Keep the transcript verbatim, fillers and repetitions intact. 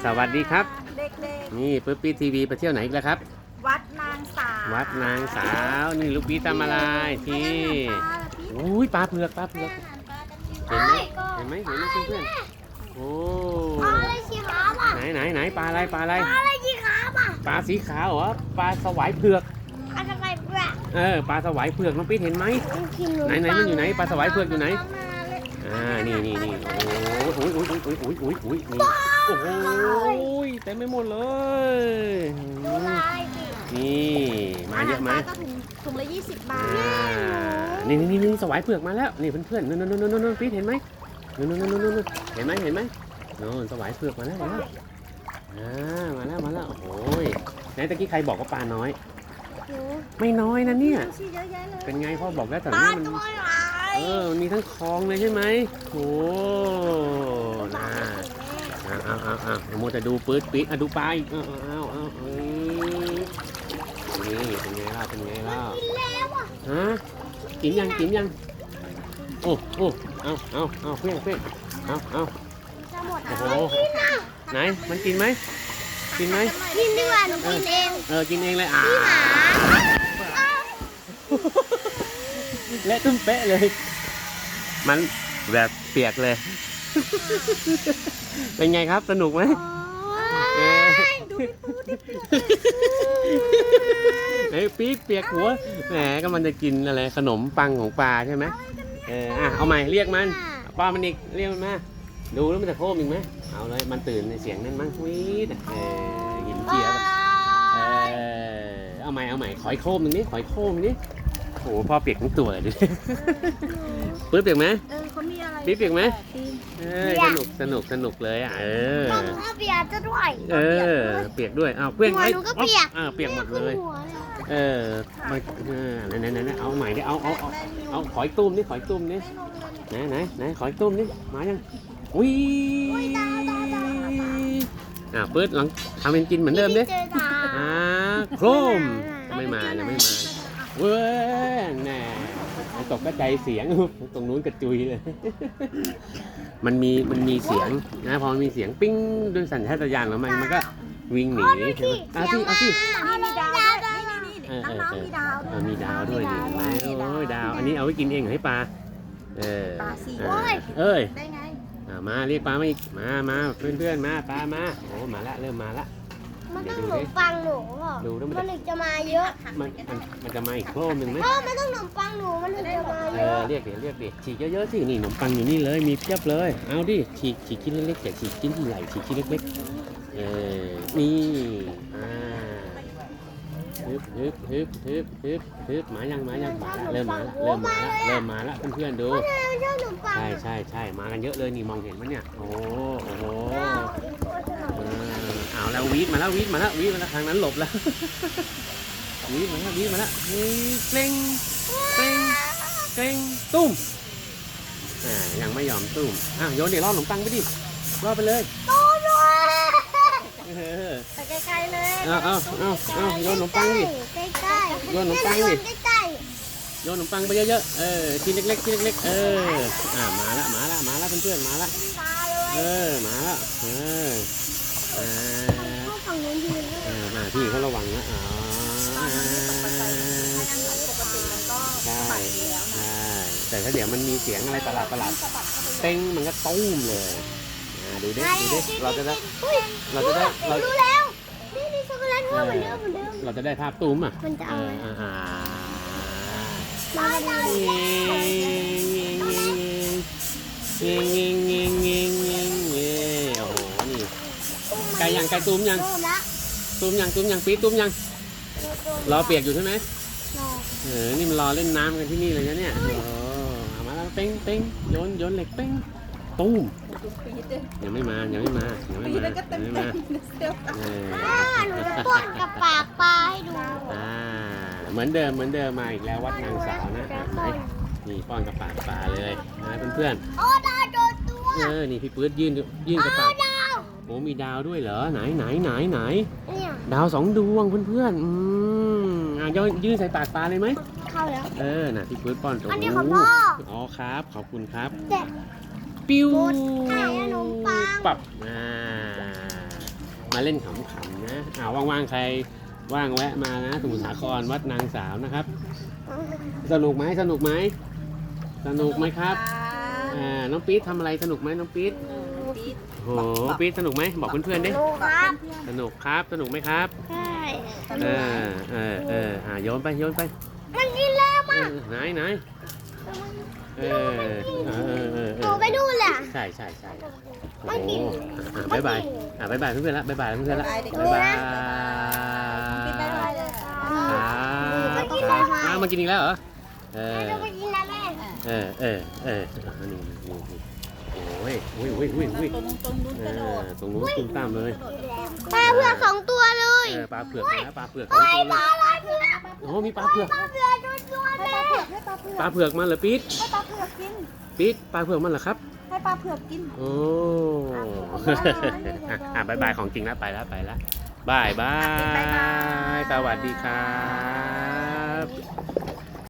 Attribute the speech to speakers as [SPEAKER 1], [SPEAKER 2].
[SPEAKER 1] สวัสดีครับ
[SPEAKER 2] เด็ก
[SPEAKER 1] นี่ปุ๊บปี้ทีวีไปเที่ยวไหนอีกแล้วครับ
[SPEAKER 2] ๆวัดนางสาว
[SPEAKER 1] วัดนางสาวนี่ลูกพี่ทำอะไรที่อุ้ยปลาเผือกปลาเผือกเห็นไหมเห็นไหมเห็นไหมเพื่อนๆโอ้ไหนไหนไหนปลาอะไรปลาอะไรปลาอะไรสีขาวอ่ะปลาสีขาวเหรอปลาสวายเผือก
[SPEAKER 3] ปลาสวายเผือก
[SPEAKER 1] เออปลาสวายเผือกน้องปิ๊ดเห็นไหมไหนไหนมันอยู่ไหนปลาสวายเผือกอยู่ไหนอ่านี่นี่นี่โอ้โหโอ้ยโอ้ยโอ้ยโอ้ยโอ้ยโอ้ยนี่โอ้โหเต็มไปหมดเลยนี่มาเยอะไหม
[SPEAKER 2] ก็ถุงถุงละยี่สิบบาท
[SPEAKER 1] นี่นี่นี่สวายเผือกมาแล้วนี่เพื่อนๆนู่นนู่นนู่นนู่นปิ๊ดเห็นไหมนู่นนู่นนู่นนู่นเห็นไหมเห็นไหมนู่นสวายเผือกมาแล้วมาแล้วอ่ามาแล้วมาแล้วโอ้ยไหนตะกี้ใครบอกว่าปลาน้อยไม่น้อยนะเนี่ยเป็นไงพ่อบอกแล้วแต่นี่มันเออมีทั้งคลองเลยใช่ไหมโอ้น่าเอาเอาเอาเอาโมจะดูปื๊ดปิ๊ดอ่ะดูปลาอีกเอาเอาเอาเอานี่เป็นไงล่ะเป็นไงล่ะฮะกินยังกินยังโอ้โอ้เอาเอาเอาเพื่อนเพื่อนเอาเอาโอ้โหไหนมันกินไหมกินไหม
[SPEAKER 3] กินดีกว่าหนูกินเอง
[SPEAKER 1] เออกินเองเลยอ่าและตุ้มเป๊ะเลยมันแบบเปียกเลยเป็นไงครับสนุกไหมไอ้ปี๊ดเปียกหัวแหมก็มันจะกินอะไรขนมปังของปลาใช่ไหมเอออ่ะเอาใหม่เรียกมันป้ามันอีกเรียกมันมาดูแล้วมันจะโค้งอีกไหมเอาเลยมันตื่นในเสียงนั่นมั้งวีดเออหินเจียบเออเอาใหม่เอาใหม่ขอยโค้งหนึ่งนี้ขอยโค้งหนึ่งนี้โอ้พ่อเปียกทั้งตัวเลยดิปื๊ดเปียกไหม
[SPEAKER 2] เออเขามีอะไร
[SPEAKER 1] ปี๊ดเปียกไหมเออสนุกสนุกสนุกเลยอ่ะเออ
[SPEAKER 3] ก็เปียกจะด้วย
[SPEAKER 1] เออเปียกด้วยอ้าวเพื่อนไอ้
[SPEAKER 3] ก็เปียก
[SPEAKER 1] อ่าเปียกหมดเลยเออมาเออไหนไหนไหนเอาใหม่ดิเอาเอาเอาเอาขอยตุ้มนี่ขอยตุ้มนี่ไหนไหนไหนขอยตุ้มนี่มายังอุ้ยอ่าปื๊ดหลังทำเป็นกินเหมือนเดิมดิอ่าโครมไม่มายังไม่มาเว้ยแน่ตกกระจายเสียงตรงนู้นกระจุยเลยมันมีมันมีเสียงนะพอมีเสียงปิ้งด้วยสัญชาตญาณแล้วมันมันก็วิ่งหนีใช่ไหมเอาสิเอาสิ
[SPEAKER 2] มีดาวด้วยนี่นี่นี่น้องๆมีดาวด้วย
[SPEAKER 1] มีดาวด้วยนี่ไหมโอ้ยดาวอันนี้เอาไว้กินเองให้ปลาเออ
[SPEAKER 2] ปลาสี
[SPEAKER 1] เอ้ย
[SPEAKER 2] ได้ไง
[SPEAKER 1] มาเรียกปลามาอีกมามาเพื่อนเพื่อนมาปลามาโอ้มาละเริ่มมาละ
[SPEAKER 3] มันต้องหนมปังหนูมันถึงจะมาเยอะ
[SPEAKER 1] มันมันมันจะมาอีกโครมหนึ่งไหม
[SPEAKER 3] พ่อไม่ต้องหนมปังหนูมันถึงจะมาเยอะ
[SPEAKER 1] เรียกดิเรียกดิฉีกเยอะๆสินี่ขนมปังอยู่นี่เลยมีเพียบเลยเอาดิฉีกฉีกชิ้นเล็กๆอย่าฉีกชิ้นที่ใหญ่ฉีกชิ้นเล็กๆเออนี่อ่าฮึบฮึบฮึบฮึบฮึบฮึบมายังมายังมาละเริ่มมาละเริ่มมาละเริ่มมาละเพื่อนๆดูใช่ใช่ใช่มากันเยอะเลยนี่มองเห็นมั้ยเนี่ยโอ้โอ้โหเอาแล้ววีดมาแล้ววีดมาแล้ววีดมาแล้วทางนั้นหลบแล้ววีดมาแล้ววีดมาแล้วเกร็งเกร็งเกร็งตุ้มอ่ายังไม่ยอมตุ้มอ่ะโยนเดี๋ยวล่อขนมปังไปดิล่อไปเลย
[SPEAKER 3] ตุ้ม
[SPEAKER 1] เลย
[SPEAKER 3] ไปใกล้ๆเลย
[SPEAKER 1] เอาเอาเอาเอาโยนขนมปังดิ
[SPEAKER 3] ใกล้ๆ
[SPEAKER 1] โยนขนมปังดิโยนขนมปังไปเยอะๆเออชิ้นเล็กๆชิ้นเล็กๆเอออ่ามาละมาละมาละเพื่อนๆมาละเออมาละเอออ่าเออมาพี่เขาระวังนะอ๋อใช่ใช่แต่ถ้าเดี๋ยวมันมีเสียงอะไรประหลาดประหลาดเต้งมันก็ตุ้มเลยดูดิดูดิเราจะได้เราจะได้เรา
[SPEAKER 3] รู้แล้วนี่นี่ช็อกโกแลตเหมือนเดิมเหมือนเดิม
[SPEAKER 1] เราจะได้ภาพตุ้มอ่ะ
[SPEAKER 3] มันจะเอา
[SPEAKER 1] อ่าอ่าเงี้ยเงี้ยเงี้ยเงี้ยเงี้ยเงี้ยโอ้โหนี่ไก่ยังไก่ตุ้มยังตุ้มยังตุ้มยังปี๊ดตุ้มยังรอเปียกอยู่ใช่ไหมเออนี่มันรอเล่นน้ำกันที่นี่เลยนะเนี่ยโอ้เอามาแล้วเป้งเป้งโยนโยนเหล็กเป้งตุ้มยังไม่มายังไม่มายังไม่มายังไม่มา
[SPEAKER 3] หนูจะป้อนกับปากปลาให้ดู
[SPEAKER 1] อ่าเหมือนเดิมเหมือนเดิมมาอีกแล้ววัดนางสาวนะไหนนี่ป้อนกับปากปลาเลยนะเพื่อน
[SPEAKER 3] ๆโอ้ดาวโดนตัว
[SPEAKER 1] เออนี่พี่ปื๊ดยื่นยื่นกับปากโอ้มีดาวด้วยเหรอไหนไหนไหนไหนดาวสองดวงเพื่อนๆอืมอ่ะยื่นยื่นใส่ปากปลาเลยไหม
[SPEAKER 3] เข้าแล้ว
[SPEAKER 1] เออน่ะพี่ปื๊ดป้อนตัว
[SPEAKER 3] อันนี้ของพ่อ
[SPEAKER 1] อ๋อครับขอบคุณครับ
[SPEAKER 3] เด็ก
[SPEAKER 1] ปิ้ว
[SPEAKER 3] ขนมปัง
[SPEAKER 1] ปับอ่ามาเล่นขำๆนะอ่าว่างๆใครว่างแวะมานะสมุทรสาครวัดนางสาวนะครับ สนุกไหมสนุกไหมสนุกไหมครับอ่าน้องปี๊ดทำอะไรสนุกไหมน้องปี๊ด
[SPEAKER 2] เออปี๊ด
[SPEAKER 1] โอ้โหปี๊ดสนุกไหมบอกเพื่อนๆดิ
[SPEAKER 3] ดูครับ
[SPEAKER 1] สนุกครับสนุกไหมครับ
[SPEAKER 3] ใช่
[SPEAKER 1] เออเออเอออ่าโยนไปโยนไป
[SPEAKER 3] มันกินแล้ว
[SPEAKER 1] เออไหนไหนเออเออเออเออ
[SPEAKER 3] หนูไปดูเลยอะ
[SPEAKER 1] ใช่ใช่ใช่โอ้โหอ่ะบ๊ายบายอ่ะบ๊ายบายเพื่อนๆละบ๊ายบายเพื่อนๆละบ๊ายบาย
[SPEAKER 2] ปี๊ดไปเลยเลย
[SPEAKER 1] ครับอ้าวมากินอีกแล้วเหรอเออ
[SPEAKER 3] หนูไปกินนะแม่
[SPEAKER 1] เออเออเอออันนี้นี่นี่โอ้ยโอ้ยโอ้ยโอ้ยโอ้ย
[SPEAKER 2] ตรงตรงนู้น
[SPEAKER 1] เอก
[SPEAKER 2] ระโด
[SPEAKER 1] อ
[SPEAKER 2] ด
[SPEAKER 1] ตรงนู้นตุ้มตามเลย
[SPEAKER 3] ปลาเผือกสองตัวเลย
[SPEAKER 1] เออปลาเผือกนะปลาเผือกสองตัวเลย
[SPEAKER 3] อะไรเผือก
[SPEAKER 1] โอ้มีปลาเผือก
[SPEAKER 3] ปลาเผือกตัวๆ
[SPEAKER 2] ให้
[SPEAKER 3] เล
[SPEAKER 2] ปลาเผือกให้ปลาเผือก
[SPEAKER 1] ปลาเผือกมาเหรอปี๊ด
[SPEAKER 2] ให้ปลาเผือกกิน
[SPEAKER 1] ปี๊ดปลาเผือกมันเหรอครับ
[SPEAKER 2] ให้ปลาเผือกกิน
[SPEAKER 1] โอ้อ่ะอ่ะบายบายของจริงแล้วไปแล้วไปแล้วบายบาย สวัสดีครับ